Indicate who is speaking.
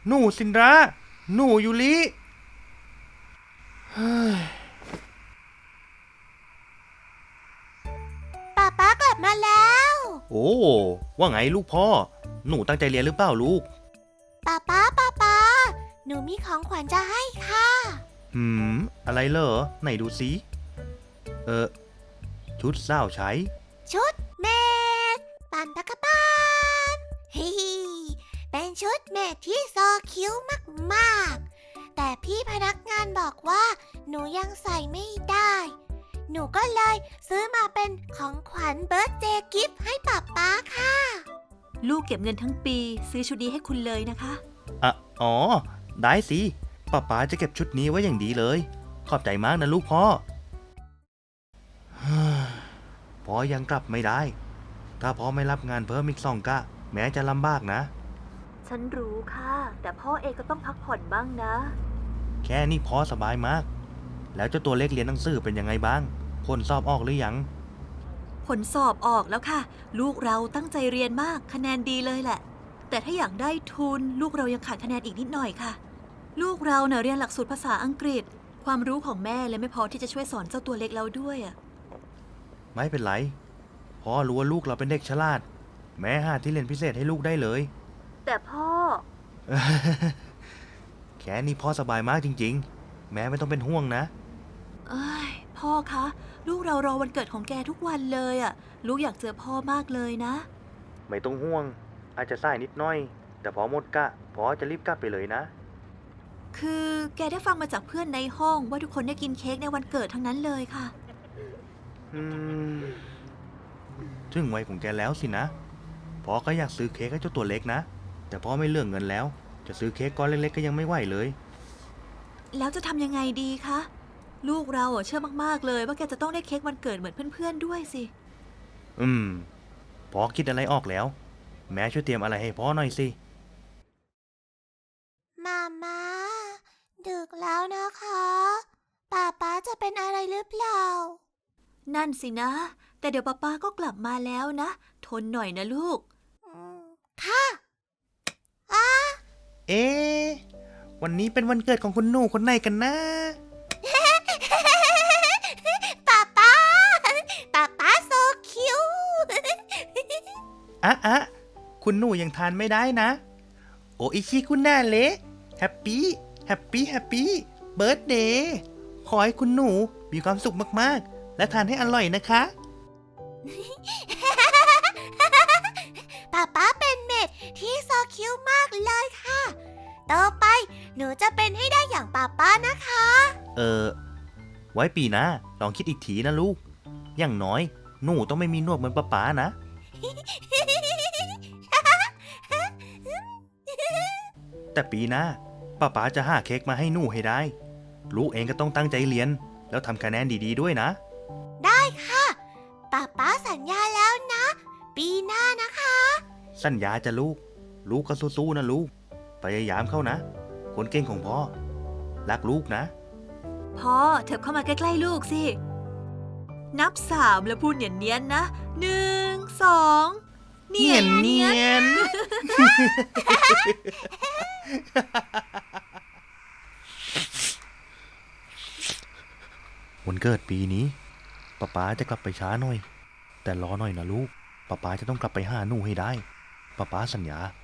Speaker 1: หนูสินระหนูยูริเฮ้ย
Speaker 2: ป๊ากลับมาแล้ว
Speaker 1: โอ้ว่าไงลูกพ่อหนูตั้งใจเรียนหรือเปล่าลูก
Speaker 2: ป๊าหนูมีของขวัญจะให้ค่ะ
Speaker 1: หืมอะไรเหรอไหนดูสิเออชุดสาวใช้
Speaker 2: ชุดเมดปันปะกะปานฮิฮิเป็นชุดเมดที่โซคิ้วมากๆแต่พี่พนักงานบอกว่าหนูยังใส่ไม่ได้หนูก็เลยซื้อมาเป็นของขวัญเบิร์ธเดย์กิฟต์ให้ป๊าค่ะ
Speaker 3: ลูกเก็บเงินทั้งปีซื้อชุดนี้ให้คุณเลยนะคะ
Speaker 1: อ๋อได้สิป๊าจะเก็บชุดนี้ไว้อย่างดีเลยขอบใจมากนะลูกพ่อพ่อยังกลับไม่ได้ถ้าพ่อไม่รับงานเพิ่มอีก2 กะแม้จะลำบากนะ
Speaker 3: ฉันรู้ค่ะแต่พ่อเองก็ต้องพักผ่อนบ้างนะ
Speaker 1: แค่นี้พ่อสบายมากแล้วเจ้าตัวเล็กเรียนหนังสือเป็นยังไงบ้างผลสอบออกหรือยัง
Speaker 3: ผลสอบออกแล้วค่ะลูกเราตั้งใจเรียนมากคะแนนดีเลยแหละแต่ถ้าอยากได้ทุนลูกเรายังขาดคะแนนอีกนิดหน่อยค่ะลูกเราเรียนหลักสูตรภาษาอังกฤษความรู้ของแม่เลยไม่พอที่จะช่วยสอนเจ้าตัวเล็กเราด้วย
Speaker 1: ไม่เป็นไรพ่อรู้ว่าลูกเราเป็นเด็กฉลาดแม้หาที่เรียนพิเศษให้ลูกได้เลย
Speaker 3: แต่พ่อ
Speaker 1: แค่นี้พ่อสบายมากจริงๆแม้ไม่ต้องเป็นห่วงนะ
Speaker 3: พ่อคะลูกเรารอวันเกิดของแกทุกวันเลยลูกอยากเจอพ่อมากเลยนะ
Speaker 1: ไม่ต้องห่วงอาจจะสายนิดหน่อยแต่พอหมดกะพ่อจะรีบกลับไปเลยนะ
Speaker 3: คือแกได้ฟังมาจากเพื่อนในห้องว่าทุกคนได้กินเค้กในวันเกิดทั้งนั้นเลยค่ะ
Speaker 1: ถึงวัยของแกแล้วสินะพ่อก็อยากซื้อเค้กให้เจ้าตัวเล็กนะแต่พ่อไม่เลือกเงินแล้วจะซื้อเค้กก้อนเล็กๆก็ยังไม่ไหวเลย
Speaker 3: แล้วจะทำยังไงดีคะลูกเราเชื่อมากๆเลยว่าแกจะต้องได้เค้กวันเกิดเหมือนเพื่อนๆด้วยสิ
Speaker 1: พ่อคิดอะไรออกแล้วแม่ช่วยเตรียมอะไรให้พ่อหน่อยสิ
Speaker 2: มาดึกแล้วนะคะป๊าจะเป็นอะไรหรือเปล่า
Speaker 3: นั่นสินะแต่เดี๋ยวป๊าก็กลับมาแล้วนะทนหน่อยนะลูก
Speaker 2: ค่ะ
Speaker 1: เอ๊ะวันนี้เป็นวันเกิดของคุณหนูคนไหนกันนะ
Speaker 2: ป๊าโซคิว
Speaker 1: คุณหนูยังทานไม่ได้นะโออิชิคุณแน่เละแฮปปี้เบิร์ธเดย์ขอให้คุณหนูมีความสุขมากๆและทานให้อร่อยนะคะ
Speaker 2: ป๊าเป็นเมดที่โซคิวมากเลยค่ะต่อไปหนูจะเป็นให้ได้อย่างป๊านะคะ
Speaker 1: ไว้ปีหน้าลองคิดอีกทีนะลูกอย่างน้อยหนูต้องไม่มีหนวดเหมือนป๊านะแต่ปีหน้าป๊าจะหาเค้กมาให้หนูให้ได้ลูกเองก็ต้องตั้งใจเรียนแล้วทำคะแนนดีๆด้วยนะ
Speaker 2: ได้ค่ะป๊าสัญญาแล้วนะปีหน้านะคะ
Speaker 1: สัญญาจะลูกก็สู้ๆนะลูกพยายามเข้านะคนเก่งของพ่อรักลูกนะ
Speaker 3: พ่อเถิบเข้ามาใกล้ๆลูกสินับ3แล้วพูดเนียนๆนะ1 2
Speaker 1: เนียนวันเกิดปีนี้ป๊าจะกลับไปช้าหน่อยแต่รอหน่อยนะลูกป๊าจะต้องกลับไปหาหนูให้ได้ป๊าสัญญา